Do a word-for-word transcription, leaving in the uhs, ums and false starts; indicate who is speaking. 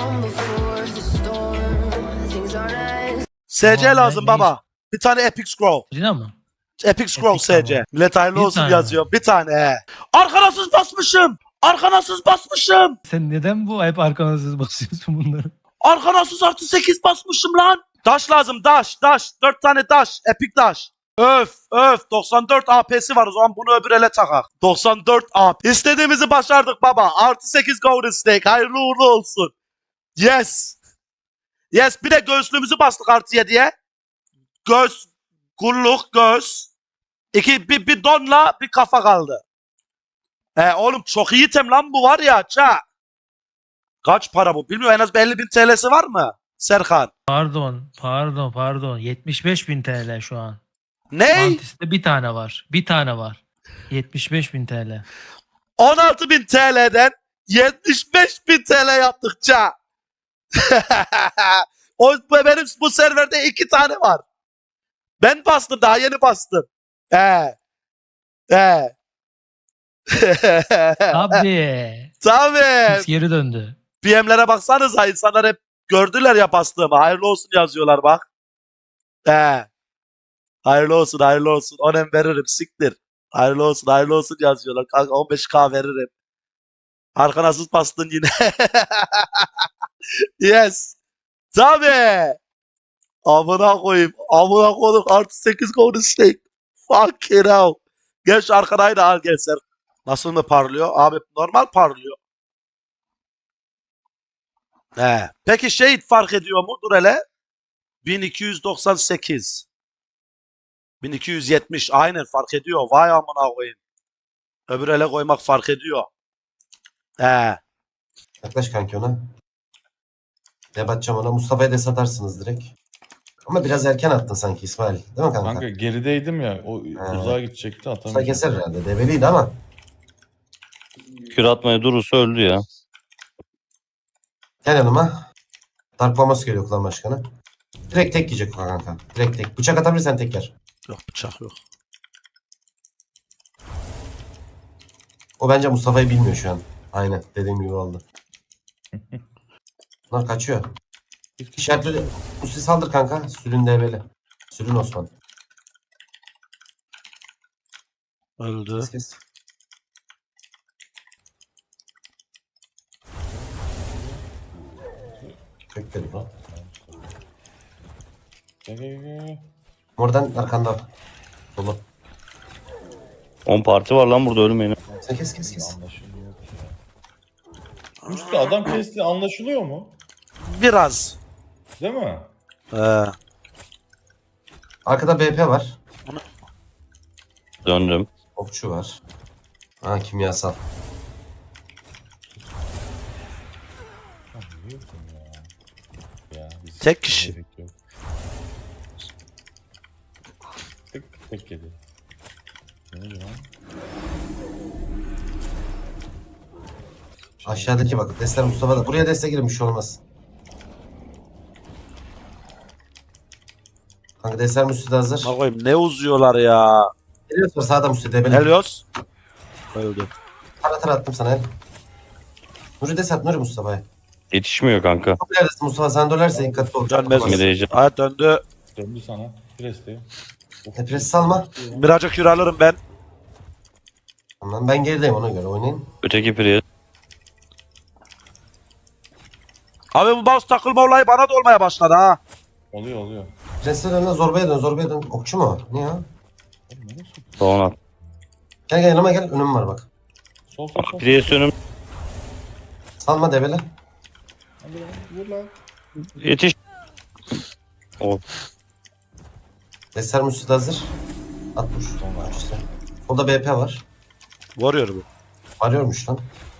Speaker 1: S C
Speaker 2: Tamam,
Speaker 1: lazım
Speaker 2: ne-
Speaker 1: baba. Bir tane Epic Scroll.
Speaker 2: Rina mı?
Speaker 1: Epic Scroll
Speaker 2: Epic
Speaker 1: S C.
Speaker 2: tamam.
Speaker 1: Millet hayırlı
Speaker 2: Bir
Speaker 1: olsun
Speaker 2: tane
Speaker 1: yazıyor. Bir tane he. Arkanasız basmışım. Arkanasız basmışım.
Speaker 2: Sen neden bu hep arkanasız basıyorsun bunları?
Speaker 1: Arkanasız artı sekiz basmışım lan. Daş lazım daş daş. Dört tane daş. Epic daş. Öf öf doksan dört A P'si var o zaman bunu öbür ele takak. doksan dört A P. İstediğimizi başardık baba. Artı sekiz Golden Stake. Hayırlı uğurlu olsun. Yes. Yes bir de göğüslüğümüzü bastık artı yediye. Göğüs. Kulluk göğüs. İki bir, bir donla bir kafa kaldı. He oğlum çok iyi item lan bu var ya ça. Kaç para bu? Bilmiyorum en az elli bin T L'si var mı? Serkan.
Speaker 2: Pardon, pardon, pardon. yetmiş beş bin T L şu an.
Speaker 1: Ne?
Speaker 2: Mantis'te bir tane var. Bir tane var. yetmiş beş bin T L.
Speaker 1: on altı bin T L'den yetmiş beş bin T L yaptıkça. O benim bu serverde iki tane var. Ben bastım daha yeni bastım. He. He.
Speaker 2: Abi.
Speaker 1: Tabii.
Speaker 2: X geri döndü.
Speaker 1: P M'lere baksanıza insanlar hep gördüler ya bastığımı. Hayırlı olsun yazıyorlar bak. He. Hayırlı olsun hayırlı olsun. Onem veririm siktir. Hayırlı olsun hayırlı olsun yazıyorlar. Kanka on beş K veririm. Arkanasız bastın yine. Yes. Tabii. Amına koyayım. Amına koyduk artı sekiz Golden Stake. Fuck it out. Gel şu arkanayı da al gel sen. Nasıl mı parlıyor? Abi normal parlıyor. He. Peki şey fark ediyor mu? Dur hele. bin iki yüz doksan sekiz. bin iki yüz yetmiş. Aynen fark ediyor. Vay amına koyayım. Öbür ele koymak fark ediyor. He.
Speaker 3: Yaklaş kanki ona. Ne batacağım ona. Mustafa'ya da satarsınız direkt. Ama biraz erken attın sanki İsmail. Değil mi kanka?
Speaker 4: Kanka gerideydim ya. O
Speaker 3: Ha.
Speaker 4: uzağa gidecekti
Speaker 3: Mustafa
Speaker 4: atamayacağım.
Speaker 3: keser herhalde. Debeliydi ama.
Speaker 5: Kür atmaya durursa öldü ya.
Speaker 3: Gel yanıma. Dark Bombas geliyor klan başkanı. Direkt tek yiyecek kanka. Direkt tek. Bıçak atabilirsen tek yer.
Speaker 1: Yok bıçak yok.
Speaker 3: O bence Mustafa'yı bilmiyor şu an. Aynen dediğim gibi oldu. Bunlar kaçıyor. İşaretli Musti saldır kanka. Sürün debeli. Sürün Osman.
Speaker 1: Öldü.
Speaker 3: Kes kes. Kökleri bu.
Speaker 4: Gel, gel, gel.
Speaker 3: Oradan arkanda. Dolu.
Speaker 5: on parti var lan burada ölmeyin.
Speaker 3: Sen kes kes kes.
Speaker 4: Anlaşılıyor ki ya. Usta adam kesti anlaşılıyor mu?
Speaker 1: Biraz.
Speaker 4: Değil mi?
Speaker 1: He.
Speaker 3: Arkada B P var.
Speaker 5: Döndüm.
Speaker 3: Okçu var. Ha kimyasal.
Speaker 4: Ha, biliyorsun ya. Ya, biz-
Speaker 1: Tek kişi.
Speaker 4: Gerek yok. Tek tek yedi. Ne oldu lan?
Speaker 3: Aşağıdaki bak. Destek Mustafa da. Buraya destek girin bir şey olmaz. Kanka destek Mustafa da hazır.
Speaker 1: Amına koyayım ne uzuyorlar ya.
Speaker 3: Helios var sağda Mustafa debeli.
Speaker 1: Helios. Öldü.
Speaker 3: Tara tara attım sana el. Nuri des at Nuri Mustafa'ya.
Speaker 5: Yetişmiyor kanka.
Speaker 3: Çok ilerlesin Mustafa sen dönerse dikkatli ol.
Speaker 1: Dönmez mi?
Speaker 5: Gideceğim.
Speaker 1: Hayat döndü.
Speaker 4: Döndü sana. Presti.
Speaker 3: E, pres salma.
Speaker 1: Miraca kür alırım ben.
Speaker 3: Tamam ben gerideyim ona göre oynayın.
Speaker 5: Öteki priye.
Speaker 1: Abi bu mouse takılma olayı bana da olmaya başladı ha.
Speaker 4: Oluyor oluyor.
Speaker 3: Presler önüne zorbaya dön zorbaya dön. Okçu mu o? Ne ya?
Speaker 4: Oğlum neresi?
Speaker 5: Son at.
Speaker 3: Gel gel yanıma gel önüm var bak.
Speaker 4: Sol sol sol.
Speaker 5: Priye önüm.
Speaker 3: Salma debeli.
Speaker 4: Hadi lan, vur lan.
Speaker 5: Yetiş. O.
Speaker 3: Destek Mustafa hazır. At vur.
Speaker 4: Sonra.
Speaker 3: İşte. Solda B P var.
Speaker 1: Varıyor bu.
Speaker 3: Arıyormuş lan.